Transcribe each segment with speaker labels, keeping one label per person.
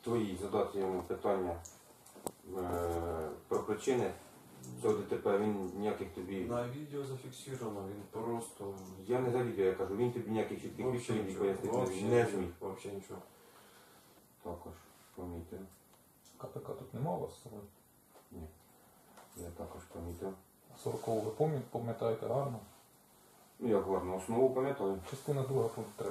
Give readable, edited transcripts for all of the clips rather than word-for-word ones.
Speaker 1: твої задати йому питання про причини цього ДТП, він ніяких тобі...
Speaker 2: На відео зафіксовано, він просто...
Speaker 1: Я не за відео, я кажу, він тобі ніяких чітких відповідей пояснити не зміг.
Speaker 2: Взагалі нічого.
Speaker 1: Також помітив.
Speaker 3: КПК тут нема у вас з собою?
Speaker 1: Ні. Я також помітив.
Speaker 3: 40-го ви пам'ятаєте гарно?
Speaker 1: Ну я гарно основу пам'ятаю.
Speaker 3: Частина 2, пункт 3.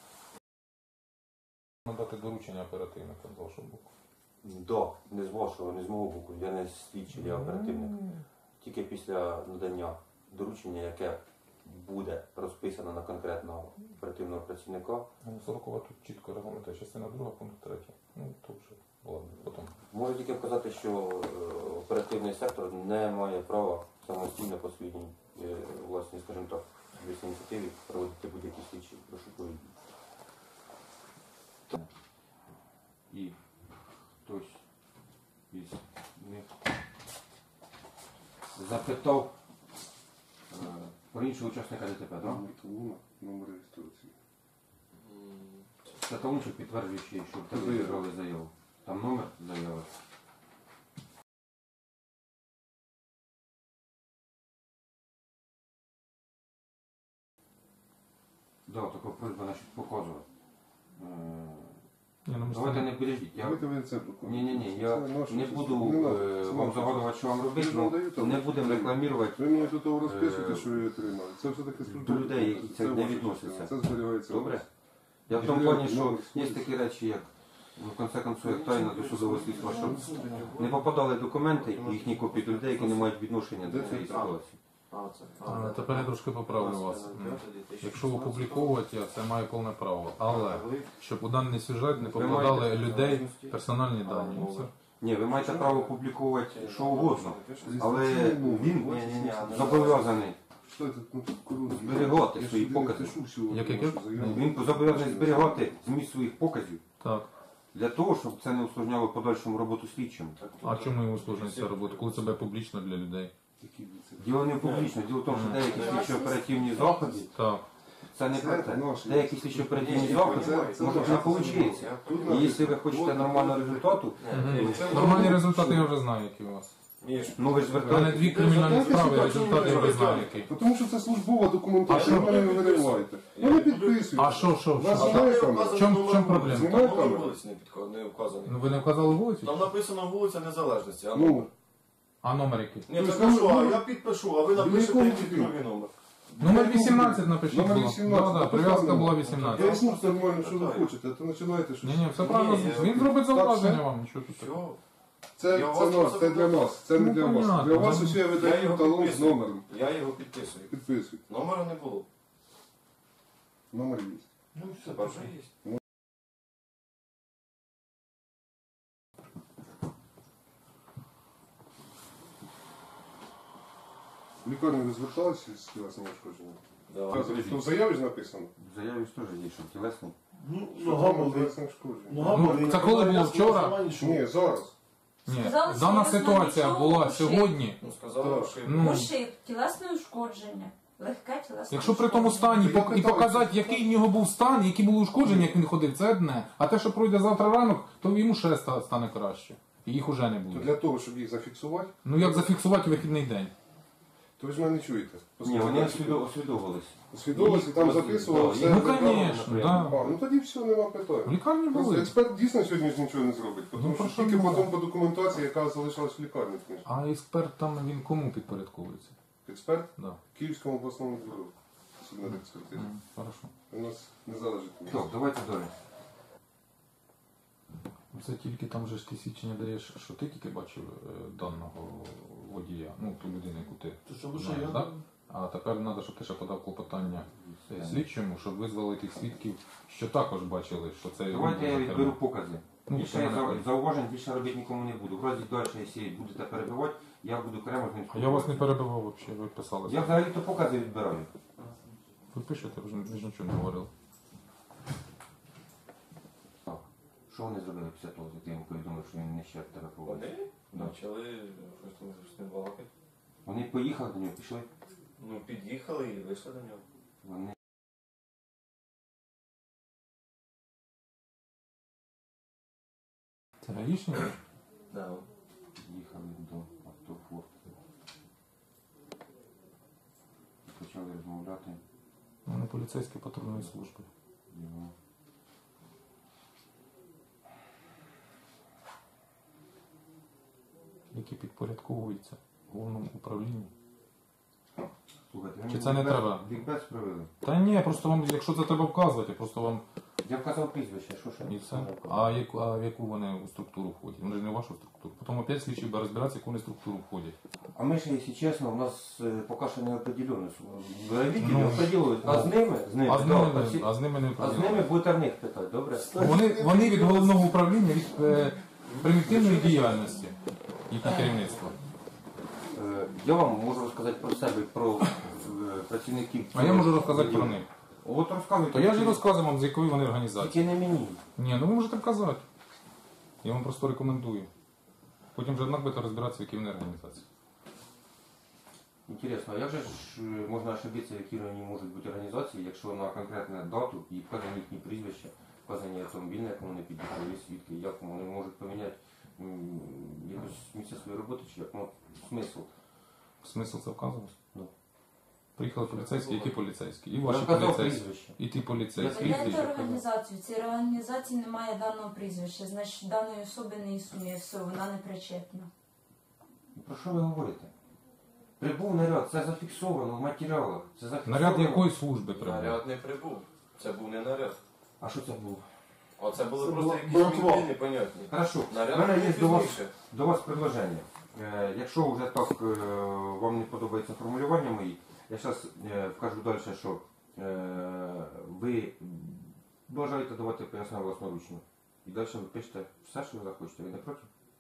Speaker 3: Надати доручення оперативника з вашого боку.
Speaker 1: Да, не з вашого, не з мого боку, я не слідчий, я оперативник. Тільки після надання доручення, яке буде розписано на конкретного оперативного працівника.
Speaker 3: 40-го тут чітко регламентує. Частина 2, пункт 3. Ну, то вже, ладно, потім.
Speaker 1: Можу тільки вказати, що оперативний сектор не має права самостійно по своїй власній, скажімо так, ініціативі проводити будь-які слідчі розшукові дії. І хтось із них запитав про іншого учасника ДТП, так?
Speaker 4: Номер реєстрації.
Speaker 1: Це талончик підтверджуючий, що в тебе зібрали заяву. Там номер заяви. Да, така просьба насчет показувати. Давайте не підождіть. Ні, я не буду вам загадувати, що вам робити, але не будемо рекламувати.
Speaker 4: Ви мені тут розписуєте, що ви отримали. Це все-таки
Speaker 1: до людей, які це не відносяться.
Speaker 4: Це зберігається.
Speaker 1: Добре? Я в тому плані, що є такі речі, як в конце концов, як тайна до судового слідства, щоб не попадали документи і їхні копії до людей, які не мають відношення до цієї ситуації.
Speaker 3: Тепер я трошки поправлю вас. Якщо опубліковувати, це має повне право. Але, щоб у даний сюжет не попадали людей персональні дані.
Speaker 1: Ні, ви маєте право публікувати що угодно, але він зобов'язаний зберігати свої покази. Він зобов'язаний зберігати зміст своїх показів.
Speaker 3: Так.
Speaker 1: Для того, щоб це не усложняло подальшому роботу слідчим.
Speaker 3: А чому його усложнюється ця робота? Коли це публічно для людей?
Speaker 1: Діло не публічно, діло в тому, що деякі слідчо-оперативні заходи, це не про те. Деякі слідчо-оперативні заходи, може не вийде. І якщо ви хочете нормального результату...
Speaker 3: Нормальні результати я вже знаю, які у вас.
Speaker 1: Ну ви ж
Speaker 3: У мене 2 кримінальні справи, результати я вже знаю, які.
Speaker 4: Тому що це службова документація, ви мене не вириваєте. Ну не підписуйте.
Speaker 3: А що? В чому проблема?
Speaker 2: Номер вулиці не вказаний.
Speaker 3: Ну ви не вказали вулицю?
Speaker 2: Там написано вулиця Незалежності, а
Speaker 4: номер?
Speaker 3: А номер який?
Speaker 2: Ні, так що, а я підпишу, а ви напишете який другий номер.
Speaker 3: Номер 18 напишіть.
Speaker 4: Номер 18.
Speaker 3: Так, прив'язка була 18.
Speaker 4: Поясніть нормально, що ви хочете, а то починаєте щось.
Speaker 3: Ні, все правильно. Він зробить зауваження вам, нічого тут.
Speaker 4: Це для нас, це не для вас. Для вас усі я видаю талон з номером.
Speaker 2: Я його підписую.
Speaker 4: Підписуйте.
Speaker 2: Номера не було.
Speaker 4: Номер є.
Speaker 2: Ну, все, вже є.
Speaker 4: В лікарні ви зверталися з тілесним ушкодженням?
Speaker 2: Да.
Speaker 4: В заяві ж написано?
Speaker 1: В заяві ж теж є, що тілесний.
Speaker 4: Нога тілесне ушкодження.
Speaker 3: Це коли було вчора?
Speaker 4: Ні, зараз.
Speaker 3: Ні,
Speaker 5: Сказали,
Speaker 3: дана
Speaker 5: що
Speaker 3: ситуація
Speaker 5: нічого
Speaker 3: була
Speaker 5: ушиб.
Speaker 3: сьогодні.
Speaker 2: Ну, сказали, що...
Speaker 5: Ушиб, тілесне ушкодження, легке тілесне
Speaker 3: Якщо при тому стані
Speaker 4: Я питаю,
Speaker 3: і показати, який в нього був стан, які були ушкодження, як він ходив, це одне. А те, що пройде завтра ранок, то йому ще стане краще. І їх уже не
Speaker 4: То
Speaker 3: буде.
Speaker 4: для того, щоб їх зафіксувати,
Speaker 3: Ну як зафіксувати вихідний день?
Speaker 4: то ви ж мене не чуєте.
Speaker 1: Ні, вони освідовувалися.
Speaker 4: Освідомилися, там записували все.
Speaker 3: Ну, звісно, так.
Speaker 4: Ну тоді все, нема
Speaker 3: В
Speaker 4: питань.
Speaker 3: лікарні
Speaker 4: Просто
Speaker 3: були.
Speaker 4: експерт дійсно сьогодні ж нічого не зробить, тому
Speaker 3: про
Speaker 4: що
Speaker 3: що
Speaker 4: тільки
Speaker 3: мова?
Speaker 4: потім по документації, яка залишилась в лікарні.
Speaker 3: А експерт там, він кому підпорядковується?
Speaker 4: Експерт
Speaker 3: Да.
Speaker 4: Київському обласному бюро судмедекспертизи.
Speaker 3: Хорошо.
Speaker 4: У нас не залежить.
Speaker 1: Так, давайте далі.
Speaker 3: Це тільки там же ж ти свідчення даєш, що ти тільки бачив даного водія, ну ту людину, яку ти знаєш, так? А тепер треба, щоб ти ще подав клопотання слідчому, щоб визвали тих свідків, що також бачили, що це...
Speaker 1: Давайте я відберу покази.
Speaker 3: Ну,
Speaker 1: Більше я зауважень більше робити нікому не буду. В разі далі, якщо будете перебивати, я буду окремо з ним
Speaker 3: А я вас не перебивав взагалі, ви писали.
Speaker 1: Я взагалі-то покази відбираю.
Speaker 3: Ви пишете, ви ж нічого не говорили.
Speaker 1: Так. Що вони зробили після того, як я йому повідомив, що він не ще тебе поводить?
Speaker 2: Вони почали щось там з ним балакати.
Speaker 1: Вони поїхали до нього, пішли.
Speaker 2: Ну, під'їхали і вийшли до нього.
Speaker 1: Вони
Speaker 3: Це гаїшник?
Speaker 1: Да. Їхали до автофорту. Почали розмовляти.
Speaker 3: Вони поліцейські патрульної служби.
Speaker 1: Його.
Speaker 3: Які підпорядковуються головному управлінню.
Speaker 1: Слухайте,
Speaker 3: Чи це не треба?
Speaker 1: Лікбез провели.
Speaker 3: Та ні, просто вам, якщо це треба вказувати, просто вам
Speaker 1: Я вказав прізвище, що ще?
Speaker 3: і все. А в яку вони у структуру входять? Вони ж не в вашу структуру. Потім опять слідчий буде розбиратися, в яку вони структуру входять.
Speaker 1: А ми ще, якщо чесно, у нас поки що не определено. Видите,
Speaker 3: Ну,
Speaker 1: определили. А з ними?
Speaker 3: А з ними, а з ними не
Speaker 1: А з ними будете в них питати, добре?
Speaker 3: Вони від головного управління, від примітивної діяльності їхнє керівництво.
Speaker 1: Я вам можу розказати про себе, про працівників.
Speaker 3: А я можу розказати про них.
Speaker 1: От розказуйте.
Speaker 3: То я ж і розказую вам, з якої вони організації.
Speaker 1: Тільки не мені.
Speaker 3: Ні, ну ви можете казати. Я вам просто рекомендую. Потім вже однак будете розбиратися, в якій вони організації.
Speaker 1: Інтересно, а як же ж можна ошибитися, які вони можуть бути організації, якщо на конкретну дату і вказані їхні прізвища, вказані автомобіль, на якому вони під'їхали, є свідки, як вони можуть поміняти якось місце своєї роботи, чи як смисл?
Speaker 3: Смисл це вказувати?
Speaker 1: Ну.
Speaker 3: Приїхали поліцейські, які поліцейські? І
Speaker 1: Я
Speaker 3: ваші
Speaker 1: вказав
Speaker 3: поліцейські.
Speaker 1: прізвище.
Speaker 3: І ті поліцейські.
Speaker 1: Я
Speaker 5: Гляньте організацію. В цій організації немає даного прізвища, значить даної особи не існує, все, вона не причетна.
Speaker 1: Про що ви говорите? Прибув наряд, це зафіксовано в матеріалах. Це зафіксовано.
Speaker 3: Наряд якої служби прибув?
Speaker 6: Наряд не прибув. Це був не наряд.
Speaker 1: А що це було?
Speaker 6: Оце були
Speaker 2: Це
Speaker 6: просто
Speaker 2: була
Speaker 6: якісь
Speaker 2: братва.
Speaker 6: мінти непонятні.
Speaker 1: Хорошо, у
Speaker 6: Наряд
Speaker 1: мене є
Speaker 6: був
Speaker 1: до вас,
Speaker 6: пізніше.
Speaker 1: до вас предложення. Якщо вже так вам не подобається формулювання мої, я зараз вкажу далі, що ви бажаєте давати пояснення власноручно. І далі ви пишете все, що ви захочете. Ви не проти?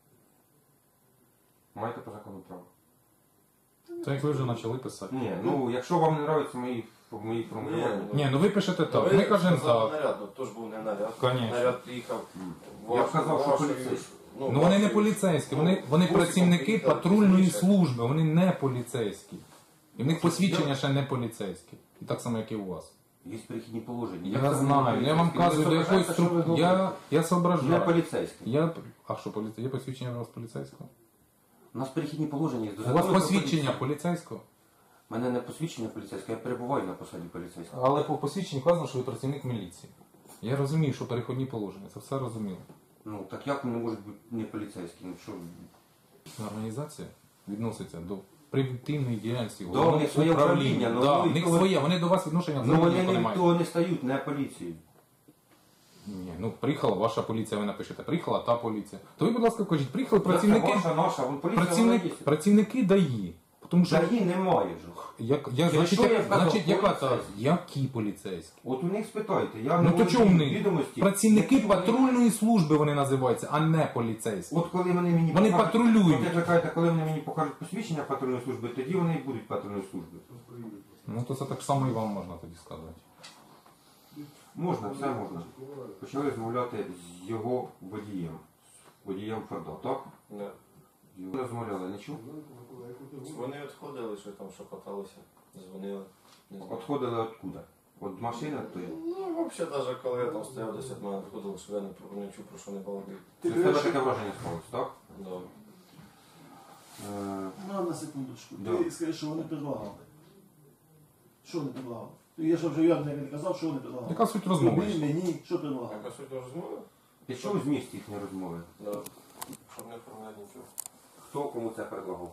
Speaker 1: Маєте по закону право.
Speaker 3: Це як ви вже почали писати.
Speaker 1: Ні, ну якщо вам не подобаються мої формулювання.
Speaker 3: Ні, ну ви пишете так.
Speaker 6: Ви
Speaker 3: Ми кажемо
Speaker 6: сказали
Speaker 3: так.
Speaker 6: наряд, ну то ж був не наряд.
Speaker 3: Конечно.
Speaker 6: Наряд приїхав.
Speaker 1: Я вказав, що
Speaker 6: вашої-
Speaker 1: поліцейський.
Speaker 3: Ну вони не поліцейські, вони працівники патрульної служби, вони не поліцейські. І в них посвідчення ще не поліцейські. І так само, як і у вас.
Speaker 1: Є перехідні положення.
Speaker 3: Я знаю, я вам кажу, до якоїсь структури. Я
Speaker 1: Не
Speaker 3: соображаю.
Speaker 1: поліцейський.
Speaker 3: А що, є посвідчення у вас поліцейського?
Speaker 1: У нас перехідні положення є.
Speaker 3: У вас посвідчення поліцейського?
Speaker 1: У мене не посвідчення поліцейське, я перебуваю на посаді поліцейського.
Speaker 3: Але по посвідченню вказано, що ви працівник міліції. Я розумію, що переходні положення, це все розуміло.
Speaker 1: Ну, так як вони можуть бути не поліцейські? Ну, що?
Speaker 3: Організація відноситься до превентивної діяльності.
Speaker 1: Да,
Speaker 3: головного
Speaker 1: у них своє управління, ну,
Speaker 3: Да,
Speaker 1: вони
Speaker 3: в них
Speaker 1: того-
Speaker 3: своє, вони до вас відношення
Speaker 1: Ну,
Speaker 3: взагалі
Speaker 1: вони
Speaker 3: ніхто не
Speaker 1: не
Speaker 3: мають.
Speaker 1: того не стають, не поліцією.
Speaker 3: Ні, ну приїхала ваша поліція, ви напишете, приїхала та поліція. То ви, будь ласка, кажіть, приїхали працівники,
Speaker 1: Ваша, наша, вон поліція вона є.
Speaker 3: працівники ДАІ. Тому що,
Speaker 1: Взагалі немає ж.
Speaker 3: значить,
Speaker 1: що я вказав,
Speaker 3: значить, яка та,
Speaker 1: поліцейські.
Speaker 3: які поліцейські?
Speaker 1: От у них спитайте, я
Speaker 3: Ну то
Speaker 1: володію
Speaker 3: чому вони?
Speaker 1: відомості.
Speaker 3: Працівники
Speaker 1: Які вони-
Speaker 3: патрульної служби вони називаються, а не поліцейські.
Speaker 1: От коли вони мені
Speaker 3: Вони патрулюють.
Speaker 1: От як ви кажете, коли вони мені покажуть посвідчення патрульної служби, тоді вони і будуть патрульної служби.
Speaker 3: Ну то це так само і вам можна тоді сказати.
Speaker 1: Можна, все можна. Почали розмовляти з його водієм. З водієм Форда, так?
Speaker 6: Не.
Speaker 1: Його розмовляли, не чув?
Speaker 6: Вони відходили, що там шепоталися, дзвонили. Не знаю.
Speaker 1: Отходили откуда? От машини тої?
Speaker 6: Ну, взагалі, навіть коли я там стояв десь від мене відходили, що я не чув, про що не балакали.
Speaker 1: Це в тебе таке враження склалось, так?
Speaker 6: Да.
Speaker 2: Ну, на секундочку.
Speaker 1: Да.
Speaker 2: Ти скажи, що вони предлагали. Що вони предлагали? Я ж вже явно не казав, що вони предлагали.
Speaker 3: Яка суть розмови?
Speaker 2: Тобі, мені, що предлагали?
Speaker 6: Яка суть розмови?
Speaker 1: Ти чув зміст їхньої розмови?
Speaker 6: Да. Щоб не оформляти нічого.
Speaker 1: Хто кому це предлагав?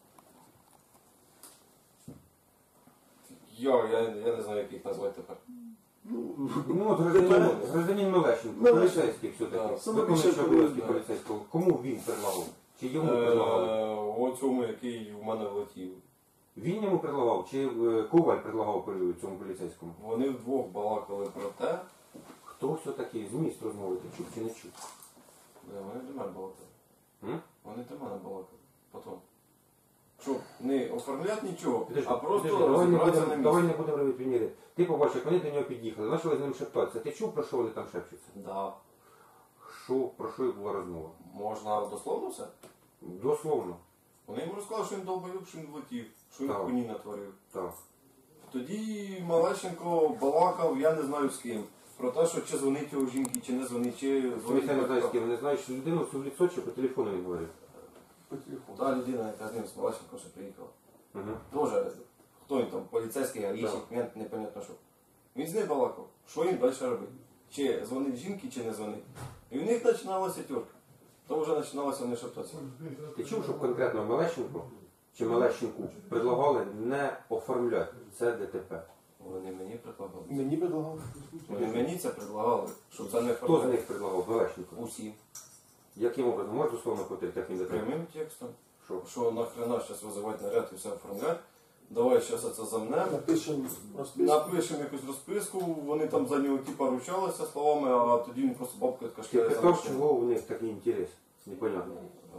Speaker 6: Я не знаю, як їх назвати тепер.
Speaker 1: Ну, от гражданин Мелещенко, поліцейський все-таки.
Speaker 2: Саме
Speaker 1: Виконуючий
Speaker 2: більше
Speaker 1: обов'язки
Speaker 2: да.
Speaker 1: поліцейського. Кому він предлагав? Чи йому предлагали?
Speaker 6: Оцьому, який в мене влетів.
Speaker 1: Він йому предлагав, чи Коваль предлагав цьому поліцейському?
Speaker 6: Вони вдвох балакали про те,
Speaker 1: Хто все-таки зміст розмови ти чув чи не чув?
Speaker 6: вони до мене балакали.
Speaker 1: М?
Speaker 6: Вони до мене балакали. Потім. Щоб не оформляти нічого,
Speaker 1: Підожди,
Speaker 6: а просто
Speaker 1: підожди,
Speaker 6: розібратися на
Speaker 1: давай
Speaker 6: місці.
Speaker 1: не будемо робити приміри. Ти побачив, як вони до нього під'їхали, почали з ним шептатися. Ти чув, про що вони там шепчуться?
Speaker 6: Да.
Speaker 1: Про що була розмова?
Speaker 6: Можна дословно все?
Speaker 1: Дословно.
Speaker 6: Вони йому розказали, що він долбоюб, що він влетів, що він
Speaker 1: Так.
Speaker 6: хуйні натворив.
Speaker 1: Так.
Speaker 6: Тоді Малещенко балакав, я не знаю з ким. про те, що чи дзвонить його жінки, чи не дзвонить, чи
Speaker 1: Я
Speaker 6: дзвонить
Speaker 1: не знаю, з
Speaker 6: батько.
Speaker 1: ким, вони знають, що людину в лицо чи по телефону він говорив.
Speaker 2: По телефону.
Speaker 6: Та людина, яка з ним з Малашенко ще приїхала.
Speaker 1: Угу.
Speaker 6: Тоже, хто він там, поліцейський, гаїчник, мент, непонятно що. Він з ним балакав, що він далі робить. Чи дзвонить жінки, чи не дзвонить. І в них починалася тюрка. То вже починалося вони шептатися.
Speaker 1: Ти чув, щоб конкретно Мелещенку чи Мелещенку предлагали не оформляти це ДТП?
Speaker 6: Вони мені предлагали.
Speaker 2: Мені предлагали.
Speaker 6: Вони мені це предлагали, щоб це не
Speaker 1: Хто з
Speaker 6: оформляти.
Speaker 1: них предлагав Мелещенку?
Speaker 6: Усі.
Speaker 1: Яким образом? Можеш дословно повторити, яким ДТП?
Speaker 6: Прямим текстом.
Speaker 1: Що?
Speaker 6: Що нахрена зараз визивати наряд і все оформляти. Давай зараз це замнемо.
Speaker 2: Напишемо розписку.
Speaker 6: Напишемо якусь розписку, вони там за нього типа ручалися словами, а тоді він просто бабкою
Speaker 1: Ти
Speaker 6: кашляє за
Speaker 1: питав,
Speaker 6: машину.
Speaker 1: чого у них такий інтерес? Непонятно.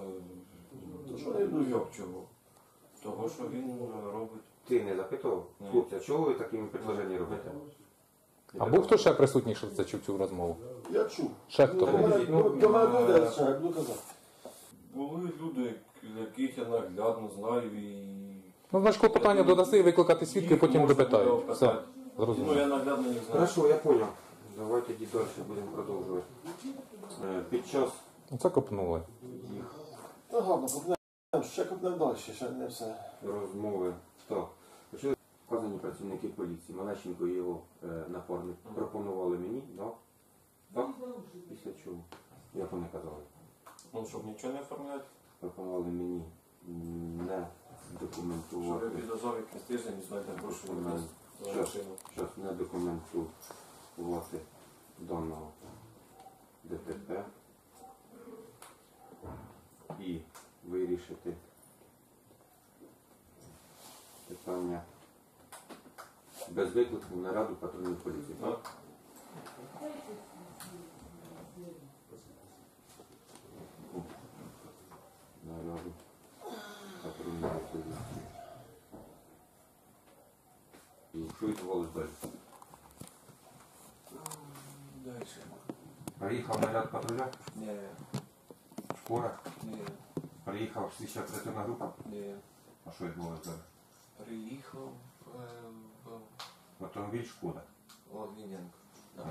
Speaker 6: Ну як чого? Того, що він робить.
Speaker 1: Ти не запитував?
Speaker 6: Ні.
Speaker 1: Хлопці, а чого ви такими предложення робите?
Speaker 3: А був хто ще присутній, що це чув цю розмову?
Speaker 2: Я чув.
Speaker 3: Ще хто
Speaker 2: До
Speaker 3: був?
Speaker 2: мене буде, що я буду казати.
Speaker 6: Були люди, яких я наглядно знаю і...
Speaker 3: Ну, значить, клопотання додаси, викликати свідки,
Speaker 6: їх
Speaker 3: потім
Speaker 6: можна
Speaker 3: допитаю.
Speaker 6: буде
Speaker 3: Все,
Speaker 6: опитати. Ну
Speaker 3: зрозуміло.
Speaker 6: я наглядно їх знаю.
Speaker 1: Хорошо, я понял. Давай тоді далі будемо продовжувати. Під час
Speaker 3: Це копнули.
Speaker 1: їх
Speaker 2: Та гарно, купнемо. Ще купнемо далі, ще не все.
Speaker 1: розмови. Так. Почали вказані працівники поліції, Малещенко і його напарник пропонували мені, да? Так? Після чого? Як вони казали?
Speaker 6: Ну, щоб нічого не оформляти.
Speaker 1: Пропонували мені не
Speaker 6: Що
Speaker 1: документувати.
Speaker 6: ви підозрав якийсь тиждень і знаєте гроші віддасть за машину.
Speaker 1: Зараз не документувати даного ДТП і вирішити питання без виклику на раду патрульної поліції. Так? На раду патрульної поліції. І що відбувалося далі?
Speaker 6: Далі.
Speaker 1: Приїхав наряд патруля,
Speaker 6: Ні,
Speaker 1: скоро,
Speaker 6: ні,
Speaker 1: приїхав слідча оперативна група.
Speaker 6: ні.
Speaker 1: А що відбувалося далі?
Speaker 6: Приїхав в
Speaker 1: Автомобіль Шкода.
Speaker 6: Логвиненко. Да.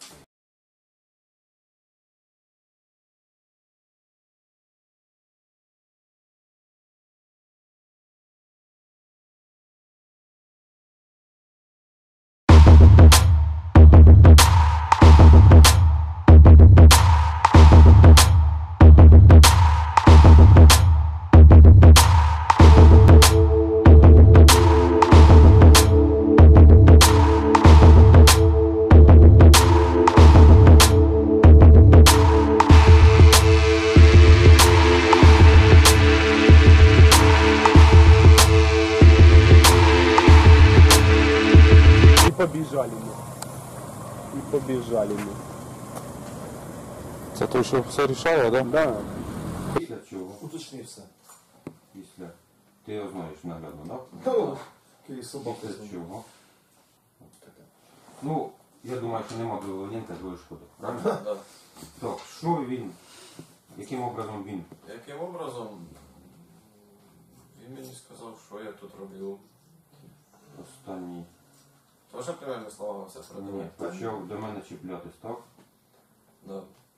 Speaker 7: Побежали мы. И побежали мы.
Speaker 3: Це той, що все рішало, так?
Speaker 7: Да.
Speaker 1: Після чого?
Speaker 2: Уточни все.
Speaker 1: Після. Ти його знаєш наглядно, так?
Speaker 2: Ну, який собака.
Speaker 1: Після чого? Ну, я думаю, що нема другого Ленка, другої Шкоди. Правильно?
Speaker 6: Да.
Speaker 1: Так, що він, яким образом він?
Speaker 6: Яким образом він мені сказав, що я тут роблю.
Speaker 1: Останній
Speaker 6: Тоже прямими словами все продає.
Speaker 1: почав до мене чіплятись, так?
Speaker 6: Да.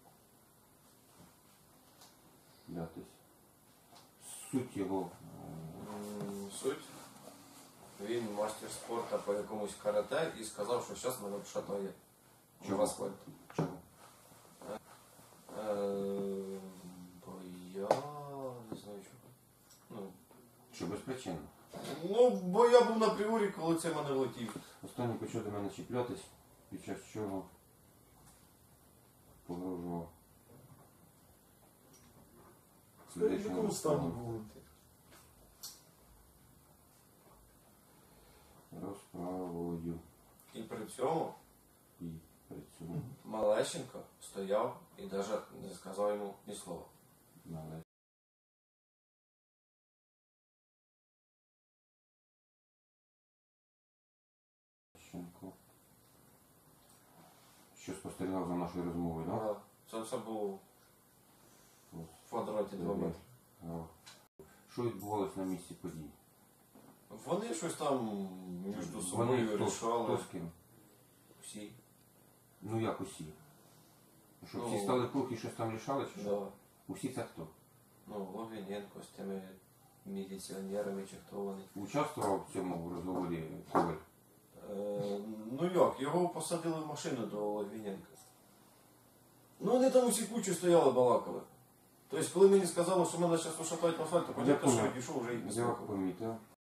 Speaker 1: Чіплятись. Суть його.
Speaker 6: Суть. Він мастер спорту по якомусь карате і сказав, що зараз мене вшатає.
Speaker 1: Чого?
Speaker 6: В асфальт.
Speaker 1: Чого?
Speaker 6: Бо я не знаю чого.
Speaker 1: Що безпричинно.
Speaker 6: Ну, бо я був на пріорі, коли це мене влетів.
Speaker 1: Останній почав до мене чіплятись, під час чого погрожував.
Speaker 2: В якому стані були?
Speaker 1: Розправою
Speaker 6: І при цьому
Speaker 1: і при цьому
Speaker 6: Малещенко стояв і навіть не сказав йому ні слова.
Speaker 1: належить. Що спостерігав за нашою розмовою, так?
Speaker 6: Да. Це все було в квадраті 2 метри.
Speaker 1: Що відбувалося на місці подій?
Speaker 6: Вони щось там між
Speaker 1: Вони
Speaker 6: собою
Speaker 1: хто
Speaker 6: рішали.
Speaker 1: з ким?
Speaker 6: Всі.
Speaker 1: Ну як усі? Що всі стали круг і щось там рішали, чи що?
Speaker 6: Да.
Speaker 1: Усі це хто?
Speaker 6: Ну, Логвиненко з тими міліціонерами чи хто вони.
Speaker 1: Участвував в цьому розговорі Коваль?
Speaker 6: Ну як, його посадили в машину до Логвиненка. Ну вони там усі кучу стояли, балакали. Тобто, коли мені сказали, що мене зараз ушатають в асфальт, то понятно, що я пішов вже і не
Speaker 1: Я
Speaker 6: слухав.
Speaker 1: помітив.